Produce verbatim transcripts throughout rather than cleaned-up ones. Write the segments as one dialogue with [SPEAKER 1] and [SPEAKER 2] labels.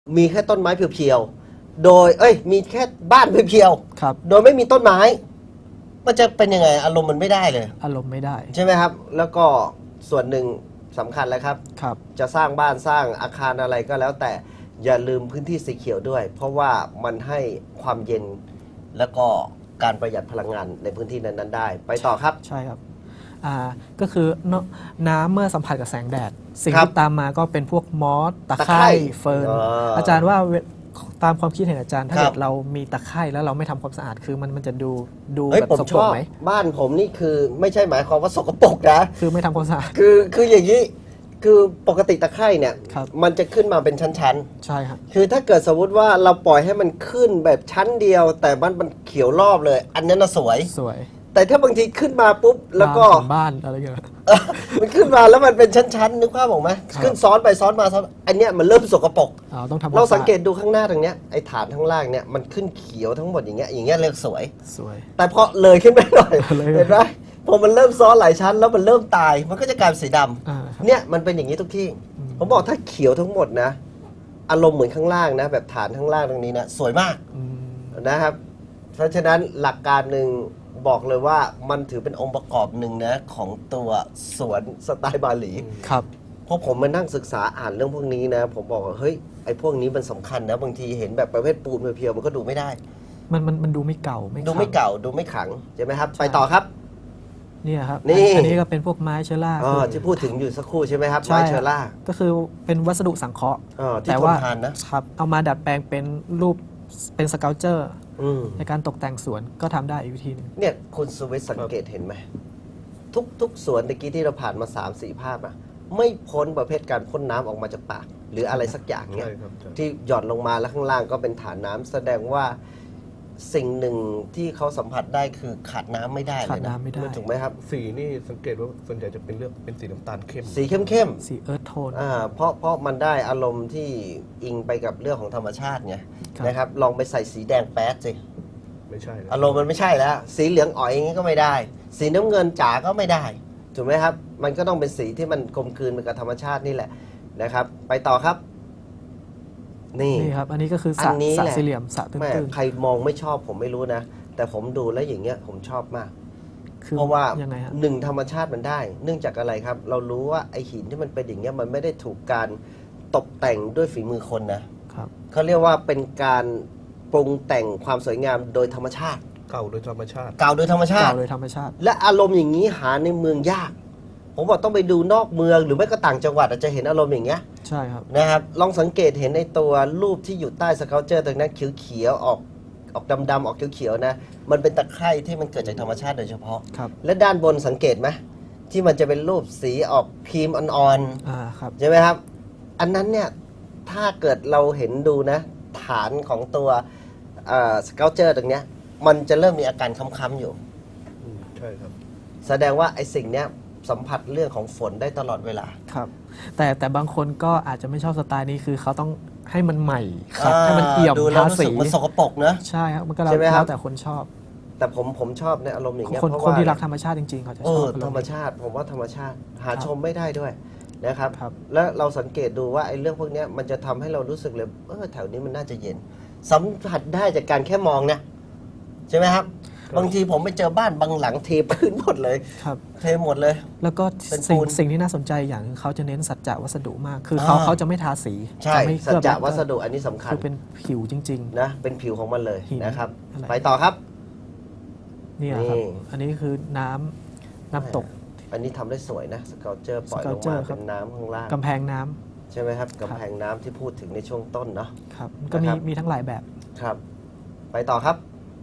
[SPEAKER 1] มีแค่ต้นไม้เพียวๆ โดยเอ้ยมีแค่บ้านเพียวๆ โดยไม่มีต้นไม้มันจะเป็นยังไงอารมณ์มันไม่ได้เลย
[SPEAKER 2] อารมณ์ไม่ได้
[SPEAKER 1] ใช่ไหมครับแล้วก็ส่วนหนึ่งสำคัญแล้วครับ
[SPEAKER 2] ครับ
[SPEAKER 1] จะสร้างบ้านสร้างอาคารอะไรก็แล้วแต่อย่าลืมพื้นที่สีเขียวด้วย เพราะว่ามันให้ความเย็นแล้วก็การประหยัดพลังงานในพื้นที่นั้นๆได้ไปต่อครับ
[SPEAKER 2] ใช่ครับอ่าก็คือน้ำเมื่อสัมผัสกับแสงแดดสิ่งที่ตามมาก็เป็นพวกมอสตะไคร่เฟิร์นอาจารย์ว่าตามความคิดเห็นอาจารย์ถ้าเกิดเรามีตะไคร่แล้วเราไม่ทำความสะอาดคือมันมันจะดูดูแบบสกปรกไหม
[SPEAKER 1] บ้านผมนี่คือไม่ใช่หมายความว่าสกปรกนะ
[SPEAKER 2] คือไม่ทำความสะอาด
[SPEAKER 1] คือคืออย่างนี้คือปกติตะไคร่เนี่ยมันจะขึ้นมาเป็นชั้น
[SPEAKER 2] ๆใช่ครับ
[SPEAKER 1] คือถ้าเกิดสมมติว่าเราปล่อยให้มันขึ้นแบบชั้นเดียวแต่มันมันเขียวรอบเลย อันนั้นน่ะสวย
[SPEAKER 2] สวย
[SPEAKER 1] แต่ถ้าบางทีขึ้นมาปุ๊บแล้วก็
[SPEAKER 2] บ้านอะไรเงี้ย
[SPEAKER 1] มันขึ้นมาแล้วมันเป็นชั้นๆนึกภาพออกไหมขึ้นซ้อนไปซ้อนมาซ้อนอันเนี้ยมันเริ่มสกปรกเราสังเกตดูข้างหน้าตรงเนี้ยไอ้ฐานข้างล่างเนี้ยมันขึ้นเขียวทั้งหมดอย่างเงี้ยอย่างเงี้ยเรียกสวย
[SPEAKER 2] สวย
[SPEAKER 1] แต่พอเลยขึ้นไปหน่อยเห็นไหมพอมันเริ่มซ้อนหลายชั้นแล้วมันเริ่มตายมันก็จะกลายเป็นสีดำเนี่ยมันเป็นอย่างนี้ทุกที่ผมบอกถ้าเขียวทั้งหมดนะอารมณ์เหมือนข้างล่างนะแบบฐานข้างล่างตรงนี้นะสวยมากนะครับเพราะฉะนั้นหลักการหนึ่งบอกเลยว่ามันถือเป็นองค์ประกอบหนึ่งนะของตัวสวนสไตล์บาหลี
[SPEAKER 2] ครับ
[SPEAKER 1] เพราะผมมานั่งศึกษาอ่านเรื่องพวกนี้นะผมบอกว่าเฮ้ยไอ้พวกนี้มันสำคัญนะบางทีเห็นแบบประเภทปูนเพียวๆมันก็ดูไม่ได้
[SPEAKER 2] มันมันมันดูไม่เก่าไม่
[SPEAKER 1] ดูไม่เก่าดูไม่ขังใช่ไหมครับไปต่อครับ
[SPEAKER 2] นี่ครับอันนี้ก็เป็นพวกไม้เชล่า
[SPEAKER 1] ที่พูดถึงอยู่สักครู่ใช่ไหมครับไม้เชล่า
[SPEAKER 2] ก็คือเป็นวัสดุสังเคราะห์
[SPEAKER 1] แต่ว่า
[SPEAKER 2] ครับเอามาดัดแปลงเป็นรูปเป็นสเกลเจอร์ในการตกแต่งสวนก็ทำได้อีกวิธีนึง
[SPEAKER 1] เนี่ยคุณสุวิทย์สังเกตเห็นไหมทุกทุกสวนตะกี้ที่เราผ่านมา สามสี่ ภาพอะไม่พ้นประเภทการพ่นน้ำออกมาจากปากหรืออะไรสักอย่างเนี่ยที่หย่อนลงมาแล้วข้างล่างก็เป็นฐานน้ำแสดงว่าสิ่งหนึ่งที่เขาสัมผัสได้คือขาดน้ำไม่ได้เลยนะถูกไหมครับ
[SPEAKER 3] สีนี่สังเกตว่าส่วนใหญ่จะเป็นเลือกเป็นสีน้ำตาลเข้ม
[SPEAKER 1] สีเข้มเข้ม
[SPEAKER 2] สีเอิร์ธโทน
[SPEAKER 1] อ่าเพราะเพราะมันได้อารมณ์ที่อิงไปกับเรื่องของธรรมชาติไงนะครับลองไปใส่สีแดงแป๊ดสิ
[SPEAKER 3] ไม่ใช่
[SPEAKER 1] อารมณ์มันไม่ใช่แล้วสีเหลืองอ๋อยอย่างนี้ก็ไม่ได้สีน้ำเงินจ๋าก็ไม่ได้ถูกไหมครับมันก็ต้องเป็นสีที่มันกลมกลืนไปกับธรรมชาตินี่แหละนะครับไปต่อครับ
[SPEAKER 2] นี่นี่ครับอันนี้ก็คือสระสี่เหลี่ยมสระตื้น
[SPEAKER 1] ๆใครมองไม่ชอบผมไม่รู้นะแต่ผมดูแล้วอย่างเงี้ยผมชอบมากเพราะว่าหนึ่งธรรมชาติมันได้เนื่องจากอะไรครับเรารู้ว่าไอหินที่มันเป็นอย่างเงี้ยมันไม่ได้ถูกการตกแต่งด้วยฝีมือคนนะครับเขาเรียกว่าเป็นการปรุงแต่งความสวยงามโดยธรรมชาติ
[SPEAKER 3] เก่าโดยธรรมชาติ
[SPEAKER 1] เก่าโดยธรรมชาติ
[SPEAKER 2] เก่าโดยธรรมชาติ
[SPEAKER 1] และอารมณ์อย่างนี้หาในเมืองยากผมบอกต้องไปดูนอกเมืองหรือไม่ก็ต่างจังหวัดอาจจะเห็นอารมณ์อย่างเงี้ย
[SPEAKER 2] ใช่ครับ
[SPEAKER 1] นะครับลองสังเกตเห็นในตัวรูปที่อยู่ใต้สเกลเจอร์ตรงนั้นเขียวๆออกออกดำๆออกเขียวๆนะมันเป็นตะไคร่ที่มันเกิดจากธรรมชาติโดยเฉพาะและด้านบนสังเกตไหมที่มันจะเป็นรูปสีออกครีมอ่อนๆใช่ไหมครับอันนั้นเนี่ยถ้าเกิดเราเห็นดูนะฐานของตัวสเกลเจอร์ตรงเนี้ยมันจะเริ่มมีอาการค้ำๆอยู่
[SPEAKER 3] ใช่ครับ
[SPEAKER 1] แสดงว่าไอ้สิ่งเนี้ยสัมผัสเรื่องของฝนได้ตลอดเวลา
[SPEAKER 2] ครับแต่แต่บางคนก็อาจจะไม่ชอบสไตล์นี้คือเขาต้องให้มันใหม่ครับให้มันเอี่ยม
[SPEAKER 1] ทาสีมันสกปรกนะ
[SPEAKER 2] ใช่ครับมันก็แล้วแต่คนชอบ
[SPEAKER 1] แต่ผมผมชอบในอารมณ์อย่างเงี้ย
[SPEAKER 2] เพราะว่าคนที่รักธรรมชาติจริงๆเขาจะชอบ
[SPEAKER 1] ธรรมชาติผมว่าธรรมชาติหาชมไม่ได้ด้วยนะครับแล้วเราสังเกตดูว่าไอ้เรื่องพวกนี้มันจะทำให้เรารู้สึกเลยเออแถวนี้มันน่าจะเย็นสัมผัสได้จากการแค่มองเนี่ยใช่ไหมครับบางทีผมไปเจอบ้านบางหลังเทพื้นหมดเลย
[SPEAKER 2] ครับ
[SPEAKER 1] เทหมดเลย
[SPEAKER 2] แล้วก็สิ่งสิ่งที่น่าสนใจอย่างเขาจะเน้นสัจจะวัสดุมากคือเขาเขาจะไม่ทาสี
[SPEAKER 1] ใช่สัจจะวัสดุอันนี้สำคัญ
[SPEAKER 2] คือเป็นผิวจริง
[SPEAKER 1] ๆนะเป็นผิวของมันเลยนะครับไปต่อครับ
[SPEAKER 2] นี่ครับอันนี้คือน้ำน้ำตก
[SPEAKER 1] อันนี้ทำได้สวยนะสเกลเจอร์ปล่อยลงมาเป็นน้ำข้างล่าง
[SPEAKER 2] กำแพงน้ำ
[SPEAKER 1] ใช่ไหมครับกำแพงน้ำที่พูดถึงในช่วงต้นเนาะ
[SPEAKER 2] ครับก็มีมีทั้งหลายแบบ
[SPEAKER 1] ครับไปต่อครับ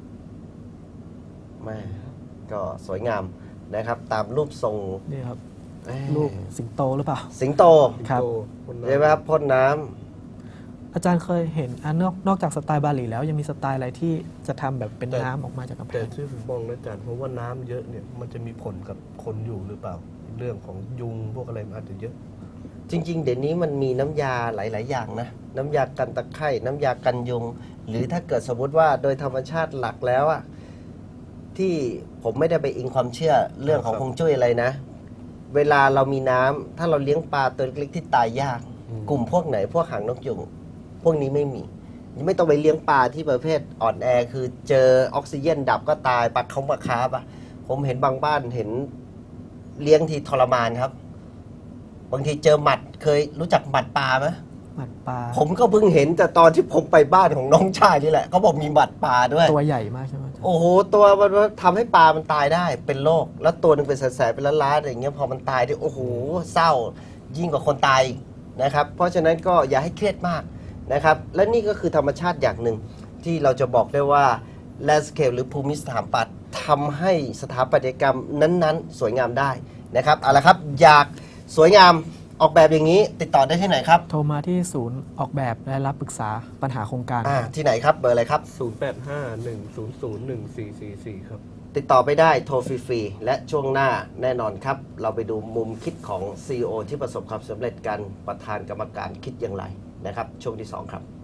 [SPEAKER 1] แม่ก็สวยงามนะครับตามรูปทรง
[SPEAKER 2] นี่ครับรูปสิงโตหรือเปล่า
[SPEAKER 1] สิงโต
[SPEAKER 2] ครับ
[SPEAKER 1] ใช่ไหมครับพ่นน้
[SPEAKER 2] ำอาจารย์เคยเห็นอันนอกนอกจากสไตล์บาหลีแล้วยังมีสไตล์อะไรที่จะทำแบบเป็นน้ำออกมาจากกำแพง
[SPEAKER 3] แต่ที่ผมมองนะอาจารย์เพราะว่าน้ำเยอะเนี่ยมันจะมีผลกับคนอยู่หรือเปล่าเรื่องของยุงพวกอะไรมันอาจจะเยอะ
[SPEAKER 1] จริงๆเดี๋ยวนี้มันมีน้ำยาหลายๆอย่างนะน้ำยากันตะไคร่น้ำยากันยุงหรือถ้าเกิดสมมติว่าโดยธรรมชาติหลักแล้วอะที่ผมไม่ได้ไปอิงความเชื่อเรื่องของฮวงจุ้ยอะไรนะเวลาเรามีน้ำถ้าเราเลี้ยงปลาตัวเล็กๆที่ตายยากกลุ่มพวกไหนพวกหางนกยุงพวกนี้ไม่มีไม่ต้องไปเลี้ยงปลาที่ประเภทอ่อนแอคือเจอออกซิเจนดับก็ตายปลาเขามาคาบอะผมเห็นบางบ้านเห็นเลี้ยงทีทรมานครับ บางทีเจอหมัดเคยรู้จักหมัดปลาไหม
[SPEAKER 2] หมัดปลา
[SPEAKER 1] ผมก็เพิ่งเห็นแต่ตอนที่ผมไปบ้านของน้องชายนี่แหละเขาบอกมีหมัดปลาด้วย
[SPEAKER 2] ตัวใหญ่มากใช่ไหมอาจารย์
[SPEAKER 1] โอ้โหตัวมันทำให้ปลามันตายได้เป็นโรคแล้วตัวหนึงเป็นแสนๆเป็นล้านๆอะไรอย่างเงี้ยพอมันตายด้วยโอ้โหเศร้ายิ่งกว่าคนตายอีกนะครับเพราะฉะนั้นก็อย่าให้เครียดมากนะครับและนี่ก็คือธรรมชาติอย่างหนึ่งที่เราจะบอกได้ว่า landscape หรือภูมิสถาปัตย์ทำให้สถาปัตยกรรมนั้นๆ สวยงามได้นะครับเอาละครับอยากสวยงามออกแบบอย่างนี้ติดต่อได้ที่ไหนครับ
[SPEAKER 2] โทรมาที่ศูนย์ออกแบบและรับปรึกษาปัญหาโครงการ
[SPEAKER 1] อ่าที่ไหนครับเบอร์อะไรครับ
[SPEAKER 3] ศูนย์ แปด ห้า หนึ่ง ศูนย์ ศูนย์ หนึ่ง สี่ สี่ สี่ ครับ
[SPEAKER 1] ติดต่อไปได้โทรฟรีๆและช่วงหน้าแน่นอนครับ เราไปดูมุมคิดของ ซี อี โอ ที่ประสบความสำเร็จกันประธานกรรมการคิดอย่างไรนะครับ ช่วงที่สองครับ